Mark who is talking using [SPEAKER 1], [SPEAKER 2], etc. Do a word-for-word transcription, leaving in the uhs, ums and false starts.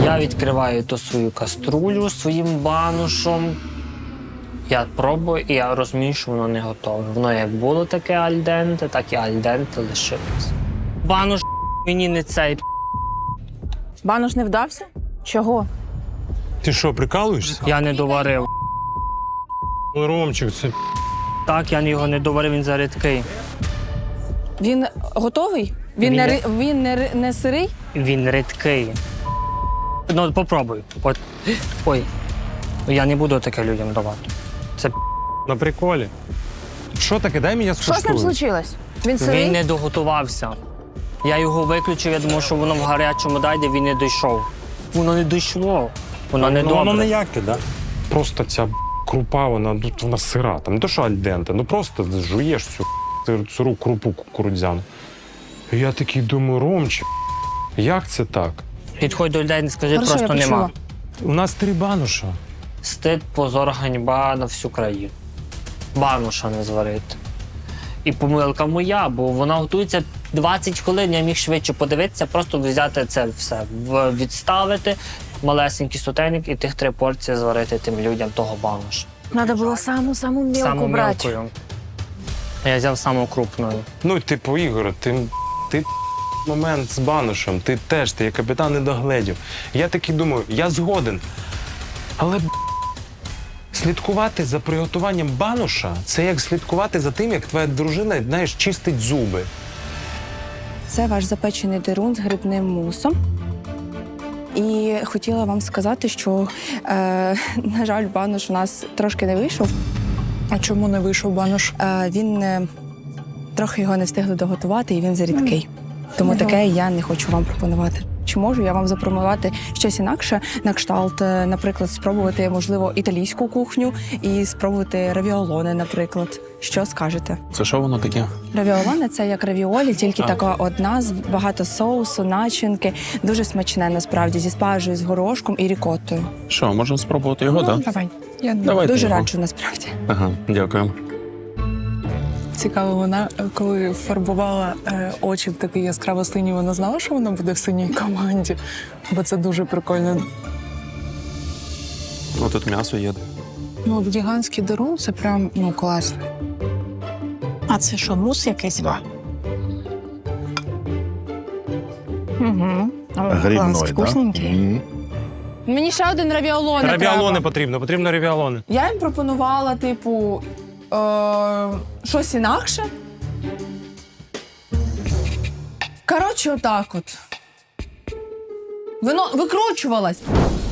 [SPEAKER 1] Я відкриваю ту свою каструлю своїм банушом. Я пробую, і я розумію, що воно не готове. Воно як було таке альденте, так і альденте лишилось. Бануш мені не цей.
[SPEAKER 2] Банош не вдався? Чого?
[SPEAKER 3] Ти що, прикалуєшся?
[SPEAKER 1] Я не доварив.
[SPEAKER 3] Ой, Ромчик, це
[SPEAKER 1] Так, я його не доварив, він зарідкий.
[SPEAKER 2] Він готовий? Він,
[SPEAKER 1] Він
[SPEAKER 2] не,
[SPEAKER 1] є.
[SPEAKER 2] ри- він не, ри- не сирий?
[SPEAKER 1] Він рідкий. Ну, попробуй. От. Ой. Я не буду таке людям давати. Це
[SPEAKER 3] на приколі. Що таке? Дай мені
[SPEAKER 2] Що з ним
[SPEAKER 3] скуштую.
[SPEAKER 2] случилось? Він сирий?
[SPEAKER 1] він не доготувався. Я його виключив, я думав, що воно в гарячому дайде, він не дійшов. Воно не дійшло. Воно не
[SPEAKER 3] Ну,
[SPEAKER 1] добре.
[SPEAKER 3] воно ніяке, да? Просто ця крупа, вона, ну, вона сира. Там не то, що альденте, ну просто жуєш цю сир- сиру крупу кукурудзяну. І я такий думаю, Ромчик, як це так?
[SPEAKER 1] Підходь до людей, не скажи,
[SPEAKER 2] Хорошо,
[SPEAKER 1] просто
[SPEAKER 2] я
[SPEAKER 1] нема.
[SPEAKER 2] почула.
[SPEAKER 3] У нас три бануша.
[SPEAKER 1] Стид, позор, ганьба на всю країну. Бануша не зварити. І помилка моя, бо вона готується двадцять хвилин, я міг швидше подивитися, просто взяти це все, в- відставити, малесенький сотейник і тих три порції зварити тим людям того бануша.
[SPEAKER 2] Треба було саму-саму мілку
[SPEAKER 1] Саму
[SPEAKER 2] брати.
[SPEAKER 1] мілкою. Я взяв саму крупною.
[SPEAKER 3] Ну, типу, Ігор, ти, ти момент з банушем, ти теж, ти як капітан не догледів. Я такий думаю, я згоден. Але слідкувати за приготуванням бануша – це як слідкувати за тим, як твоя дружина, знаєш, чистить зуби.
[SPEAKER 2] Це ваш запечений дерун з грибним мусом. І хотіла вам сказати, що, е, на жаль, банош у нас трошки не вийшов.
[SPEAKER 4] А чому не вийшов банош?
[SPEAKER 2] Е, він е, трохи його не встигли доготувати, і він зарідкий. Тому таке я не хочу вам пропонувати. Чи можу я вам запропонувати щось інакше, на кшталт, е, наприклад, спробувати, можливо, італійську кухню і спробувати равіолоне, наприклад. Що скажете?
[SPEAKER 5] Це що воно таке?
[SPEAKER 2] Равіолоне – це як равіолі, тільки
[SPEAKER 5] А.
[SPEAKER 2] така одна, з багато соусу, начинки. Дуже смачне, насправді, зі спаржею, з горошком і рікоттою.
[SPEAKER 5] Що, можемо спробувати його, так? Да?
[SPEAKER 4] Давай. Я
[SPEAKER 5] Давайте
[SPEAKER 2] Дуже
[SPEAKER 5] його.
[SPEAKER 2] раджу, насправді.
[SPEAKER 5] Ага, дякую.
[SPEAKER 4] Цікаво, вона, е, коли фарбувала е, очі в такий яскраво синій, вона знала, що вона буде в синій команді, бо це дуже прикольно.
[SPEAKER 5] Ну тут м'ясо є.
[SPEAKER 4] Ну, гігантський дерун – це прям, ну, класно.
[SPEAKER 6] А це що, мус якийсь?
[SPEAKER 5] Да.
[SPEAKER 6] Угу.
[SPEAKER 7] Грибной, да?
[SPEAKER 6] Вкусненький.
[SPEAKER 7] Мгм.
[SPEAKER 2] Мені ще один равіолоне
[SPEAKER 3] Равіалони потрібно, потрібно равіалони.
[SPEAKER 2] Я їм пропонувала, типу, е- щось інакше. Коротше, отак от. Воно викручувалась.